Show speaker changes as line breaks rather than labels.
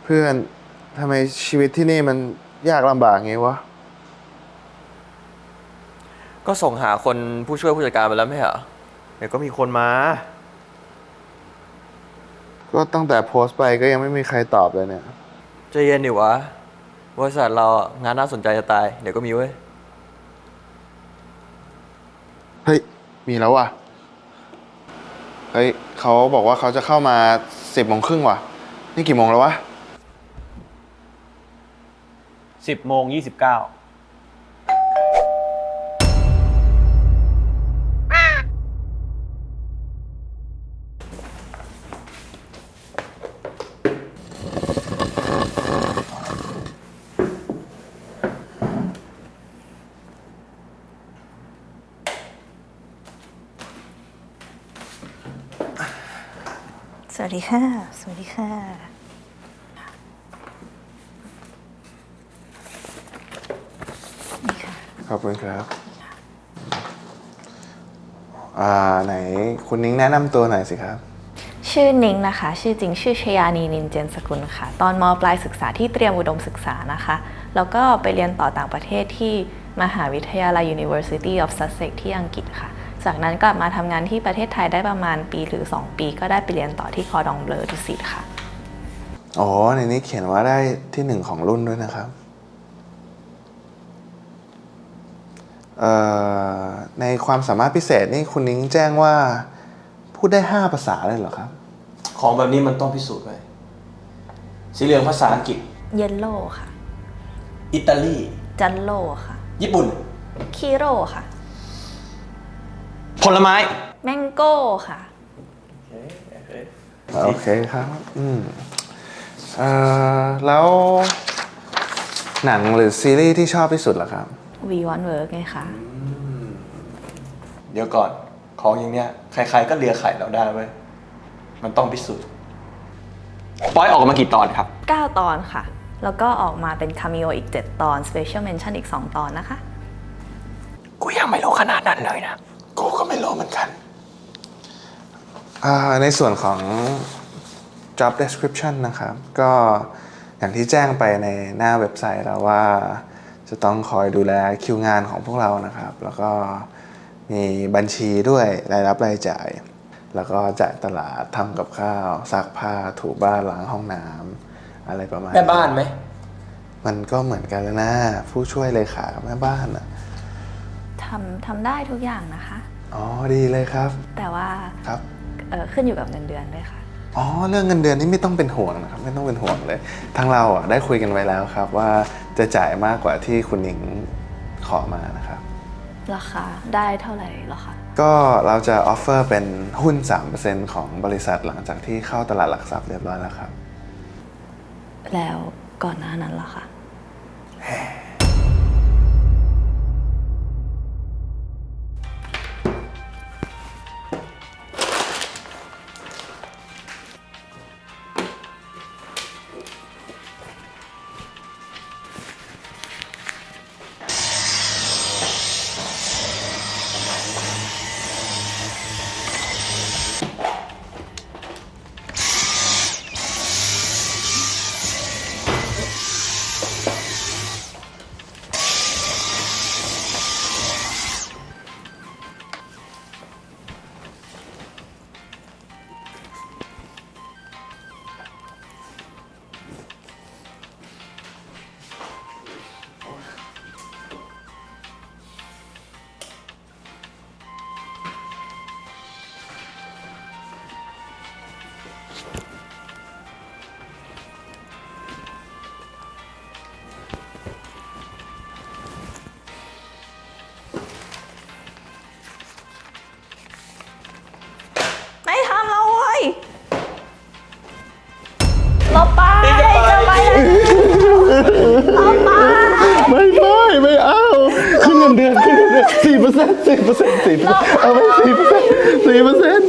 เพื่อนทำไมชีวิตที่นี่มันยากลำบากงี้วะ
ก็ส่งหาคนผู้ช่วยผู้จัดการไปแล้วไม่เหรอเดี๋ยวก็มีคนมา
ก็ตั้งแต่โพสต์ไปก็ยังไม่มีใครตอบเลยเนี่ย
ใจเย็นดิวะบริษัทเรางานน่าสนใจจะตายเดี๋ยวก็มีเว้ย
เฮ้ยมีแล้วว่ะเฮ้ยเขาบอกว่าเขาจะเข้ามา10:30ว่ะนี่กี่โมงแล้ววะ
10:29
สวัสดีค่ะ สวัสดีค่ะ นี่ค่ะ
ขอบคุณครับไหนคุณนิ้งแนะนำตัวหน่อยสิครับ
ชื่อนิ้งนะคะ ชื่อจริงชื่อชยานีนินเจนสกุลค่ะ ตอนม.ปลายศึกษาที่เตรียมอุดมศึกษานะคะ แล้วก็ไปเรียนต่อต่างประเทศที่มหาวิทยาลัย University of Sussex ที่อังกฤษค่ะ จากนั้นกลับมาทำงานที่ประเทศไทยได้ประมาณปีหรือ2 ปีก็ได้ไปเรียนต่อที่คอร์ดองเบลอดุสิตค่ะ
อ๋อในนี้เขียนว่าได้ที่1ของรุ่นด้วยนะครับในความสามารถพิเศษนี่คุณนิ้งแจ้งว่าพูดได้5 ภาษาเลยเหรอครับ
ของแบบนี้มันต้องพิสูจน์ไว้สีเหลืองภาษาอังกฤษ
เยลโล่ค่ะ
อิตาลี
จันโลค่ะ
ญี่ปุ่น
คีโร่ค่ะ
ผลไม้
แมงโก้ค่ะ
โอเคครับแล้วหนังหรือซีรีส์ที่ชอบที่สุดล่ะครับ
We Want Work ไงคะ
เดี๋ยวก่อนของอย่างเนี้ยใครๆก็เลียไข่เราได้เว้ยมันต้องพิสูจน์ปอยออกมากี่ตอนครับ
9 ตอนค่ะ แล้วก็ออกมาเป็นคาเมโออีก7 ตอน Special Mention อีก2 ตอนนะคะ
กูยังไม่รู้ขนาดนั้นเลยนะ
กูก็ไม่รู้เหมือนกันในส่วนของ job description นะครับ ก็อย่างที่แจ้งไปในหน้าเว็บไซต์แล้วว่าจะต้องคอยดูแลคิวงานของพวกเรานะครับ แล้วก็มีบัญชีด้วยรายรับรายจ่าย แล้วก็จ่ายตลาดทำกับข้าวซักผ้าถูบ้านล้างห้องน้ำอะไรประมาณนี้
แม่บ้านไหม
มันก็เหมือนกันแล้วนะผู้ช่วยเลขากับแม่บ้านอะ
ทำได้ทุกอย่างนะคะ
อ๋อดีเลยครับ
แต่ว่า
ครับ
ขึ้นอยู่กับเงินเดือนด้วยค่ะ
อ๋อเรื่องเงินเดือนนี่ไม่ต้องเป็นห่วงนะครับไม่ต้องเป็นห่วงเลยทางเราได้คุยกันไว้แล้วครับว่าจะจ่ายมากกว่าที่คุณหนิงขอมานะครับ
ราคาได้เท่าไหร่หรอคะ
ก็เราจะออฟเฟอร์เป็นหุ้น 3% ของบริษัทหลังจากที่เข้าตลาดหลักทรัพย์เรียบร้อยแล้วครับ
แล้วก่อนหน้านั้นล่ะคะไม่ทำแล้วเว้ยลบไปจะไปเลยลบไป
ไม่เอาขึ้นเงินเดือน4% เอาไป4%